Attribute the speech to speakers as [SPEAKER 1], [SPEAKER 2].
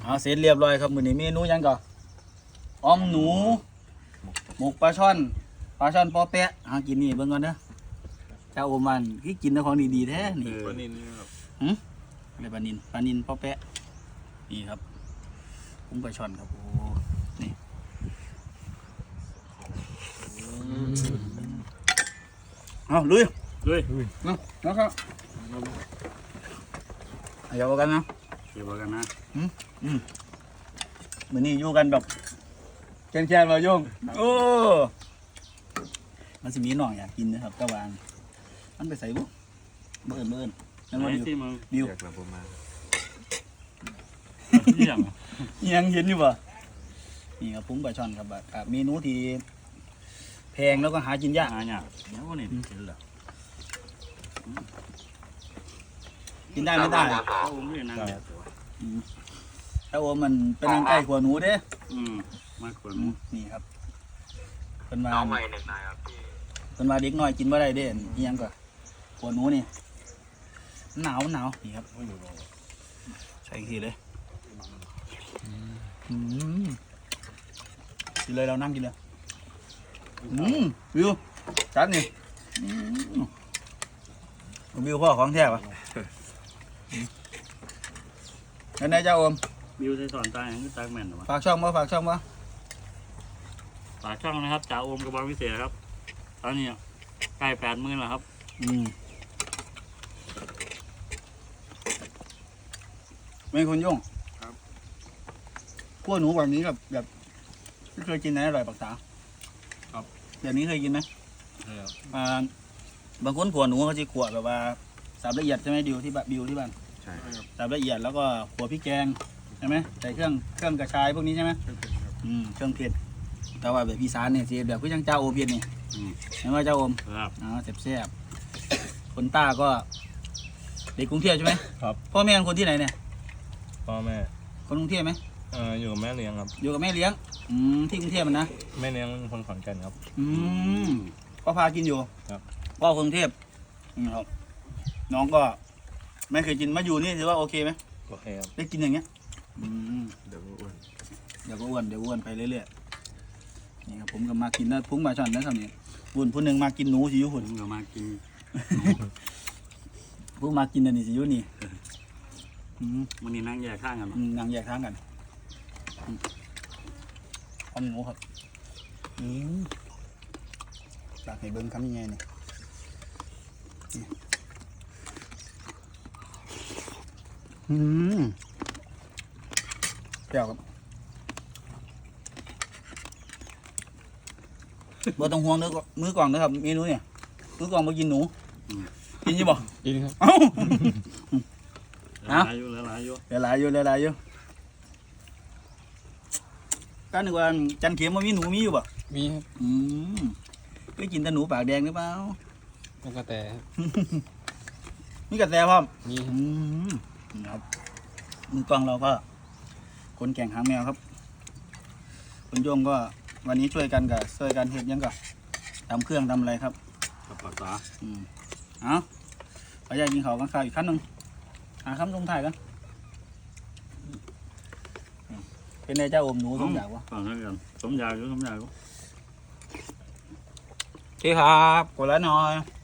[SPEAKER 1] เสร็จเรียบร้อยครับมื้อนี้เมนูยังก่อนอ้อมหนูหมกปลาช่อนปอแปะกินนี่เบิ่งก่อนเด้อเจ้าโอมันคือกินแต่ของดีๆแท้นี่
[SPEAKER 2] ปลานิลนี่ครับ
[SPEAKER 1] อะไรปลานินปอแปะนี่ครับกุ้งปลาช่อนครับโอ้นี่เอาลุยนะครับเดี๋ยวกันนะ
[SPEAKER 2] เดี๋ยวกันนะ
[SPEAKER 1] มื้อนี้อยู่กันแบบแค้นๆมาโยงโอ้มันสิมีน้องอยากกินนะครับตะวันมันไปใส่บุเบิ่นนั่นว่าบิว
[SPEAKER 2] อยากกลับมา
[SPEAKER 1] ยังเห็นอยู่ป่ะนี่ครับปุ้งปลาช่อนครับเมนูที่แพงแล้วก็หากินยาก
[SPEAKER 2] เนี่ยเดี๋ยวนี่เห็นเหรอ
[SPEAKER 1] กินได้ไม่ได้
[SPEAKER 2] โอ้ไม่นั่งแบบตัว
[SPEAKER 1] ถ้าโอมมันเป็นนางไก่ขัวหนูเด้
[SPEAKER 2] มากกว่า
[SPEAKER 1] นี่ครับเป็นมา
[SPEAKER 3] น้องใหม่หนึ่งนายครับพี่
[SPEAKER 1] เป็นมาเด็กน้อยกินบ่ได้เด้อีหยังก็ขัวหนูนี่หนาวนี่ครับใส่อีกทีเลยกินเลยเรานั่งกินเลยวิวจัดนี่วิวพ่อของแท้ปะแล้วนายเจ้าโอม
[SPEAKER 2] บิวใส่สอนตายอย่างนี้ตายแม่นหรอวะ
[SPEAKER 1] ฝากช่องบ่
[SPEAKER 2] ฝากช่องนะครับจ่าโอมกระบองพิเศษครับตอนนี้ใกล้80,000แล้วครับ
[SPEAKER 1] ไม่คนยุ่ง
[SPEAKER 2] ครับ
[SPEAKER 1] พวกหนูแบบนี้แบบไม่เคยกินไหนอร่อยปากษาครับแบบนี้เคยกินไหมบางคนขัวหนูเขาจะขัวแบบว่าสับละเอียดใช่ไหมดิวที่บ้าน
[SPEAKER 2] ใช่ครับ
[SPEAKER 1] สับละเอียดแล้วก็ขัวพริกแกงใช่ไหมใส่เครื่องกระชายพวกนี้ใช่ไหมเครื่องเผ็ดแต่ว่าแบบอีสานเนี่ยสิแบบก็ยังเจ้าโอเพียนนี่เห็นไหมเจ้าโอม
[SPEAKER 2] ครับ
[SPEAKER 1] แซ่บๆคนต้าก็เด็กกรุงเทพใช่ไหม
[SPEAKER 4] ครับ
[SPEAKER 1] พ่อแม่เป็นคนที่ไหนเนี่ย
[SPEAKER 4] พ่อแม่
[SPEAKER 1] คนกรุงเทพไหม
[SPEAKER 4] อยู่กับแม่เลี้ยงครับ
[SPEAKER 1] อยู่กับแม่เลี้ยงที่กรุงเทพมันนะ
[SPEAKER 4] แม่เลี้ยงเป็นคนขอนแก่นครับ
[SPEAKER 1] ก็พากินอยู่
[SPEAKER 4] ครับ
[SPEAKER 1] พ่อกรุงเทพครับน้องก็ไม่เคยกินมาอยู่นี่ถือว่าโอเคไหม
[SPEAKER 4] โอเคครับ
[SPEAKER 1] ได้กินอย่างเงี้ย
[SPEAKER 2] เดี๋ยวอ้วน
[SPEAKER 1] เดี๋ยวก็อ้วนไปเรื่อยๆนี่ครับผมก็มากินนะพุงปลาช่อนนะครับนี่ผู้หนึ่งมากินหนูสิอยุ
[SPEAKER 2] ผ
[SPEAKER 1] หุ่น
[SPEAKER 2] มก็มากิน
[SPEAKER 1] ผู้มากินอันนี้สิอยุนี่
[SPEAKER 2] วันนี้นั่งแยกข้างกัน
[SPEAKER 1] นางแยกทางกันเอาหนูครับอยากให้เบิ้งคำยังไงเนี่ยเปรี้ยวครับบ่ต้องห่วงเนื้อมือกล่องนะครับเมนูเนี่ยมือกล่องมากินหนูกินยี่บ่
[SPEAKER 4] กินครับ
[SPEAKER 1] เอ้า
[SPEAKER 2] หลายอยู่
[SPEAKER 1] เหลือหลายอยู่ก็นึกว่าจันเข็มมันมีหนูมีอยู่บ่
[SPEAKER 4] มีครับ
[SPEAKER 1] ก็กินแต่หนูปากแดงหรือเปล่า
[SPEAKER 4] แล้วก็แต่
[SPEAKER 1] มีกระแตพร้อม
[SPEAKER 4] มี
[SPEAKER 1] ครับมือกลองเราก็คนแข่งหางแมวครับคุณโยงก็วันนี้ช่วยกันเฮ็ดยังก็ทำเครื่องทำอะไรครับ
[SPEAKER 2] กับปากตา
[SPEAKER 1] เอาขออยากกินเขาวกันข้าวอีกขั้นหนึ่งหาคำลงถ่ายกันเป็นไงเจ้าอมหนูสมอยากวะ
[SPEAKER 2] ฟังกันสมอยากอยู่
[SPEAKER 1] โอเคครับกดไลค์หน่อย